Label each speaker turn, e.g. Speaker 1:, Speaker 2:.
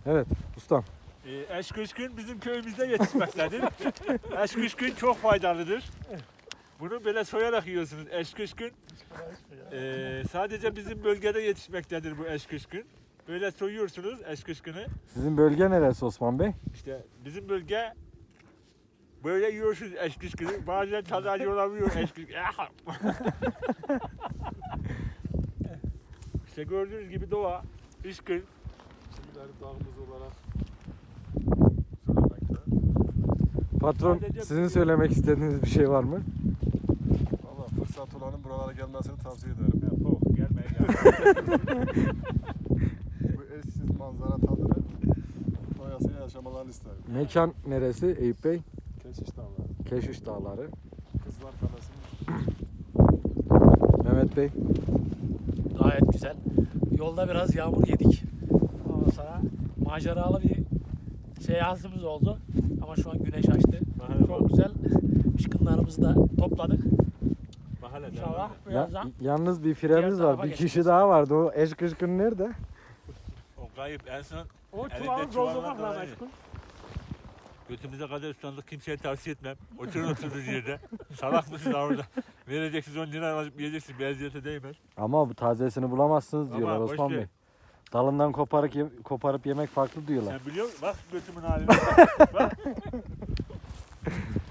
Speaker 1: Evet ustam.
Speaker 2: Eşkışkın bizim köyümüzde yetişmektedir. Eşkışkın çok faydalıdır. Bunu böyle soyarak yiyorsunuz eşkışkın. Sadece bizim bölgede yetişmektedir bu eşkışkın. Böyle soyuyorsunuz eşkışkını.
Speaker 1: Sizin bölge neresi Osman Bey?
Speaker 2: İşte bizim bölge böyle yiyorsunuz eşkışkını. Bazen tadı acı olabiliyor eşkışkın. İşte gördüğünüz gibi doğa, ışkın.
Speaker 3: Şimdileri dağımız olarak söylemekte.
Speaker 1: Patron
Speaker 2: Sadece
Speaker 1: sizin
Speaker 2: bu-
Speaker 1: söylemek istediğiniz bir şey var mı?
Speaker 3: Valla fırsat olanın buralara gelmesini tavsiye ederim.
Speaker 2: Gelmeyin ya.
Speaker 3: Bu eşsiz manzara tadını doyasıya yaşamalarını isterim.
Speaker 1: Mekan neresi Eyüp Bey?
Speaker 3: Keşiş Dağları,
Speaker 1: Keşiş Dağları.
Speaker 3: Kızlar Kalesi'nin
Speaker 1: Mehmet Bey.
Speaker 4: Gayet güzel. Yolda biraz yağmur yedik. Ondan sonra maceralı bir seyahatimiz oldu. Ama şu an güneş açtı. Çok güzel. Işkınlarımızı da topladık.
Speaker 2: Mahalle
Speaker 4: İnşallah
Speaker 1: Ya,
Speaker 4: birazdan
Speaker 1: yalnız bir firemiz
Speaker 4: Diğer
Speaker 1: var.
Speaker 4: tarafa
Speaker 1: Bir kişi
Speaker 4: geçeceğiz.
Speaker 1: daha vardı. O eşkışkın nerede?
Speaker 2: O kayıp en son
Speaker 4: o
Speaker 2: Elinde
Speaker 4: çuvalı
Speaker 2: çuvallar
Speaker 4: doldurmak
Speaker 2: daha
Speaker 4: lazım
Speaker 2: iyi.
Speaker 4: aşkım.
Speaker 2: götümüze kadar ıslandık kimseye tavsiye etmem. Oturun oturduğunuz yerde. Salak mısınız orada? Vereceksiniz 10 lira alıp yiyeceksiniz. Beyaziyete değmez.
Speaker 1: Ama bu tazesini bulamazsınız
Speaker 2: Ama
Speaker 1: diyorlar
Speaker 2: boş
Speaker 1: Osman
Speaker 2: ver.
Speaker 1: Bey. Dalından koparıp yemek farklı diyorlar.
Speaker 2: Sen biliyor musun? Bak götümün haline. Bak.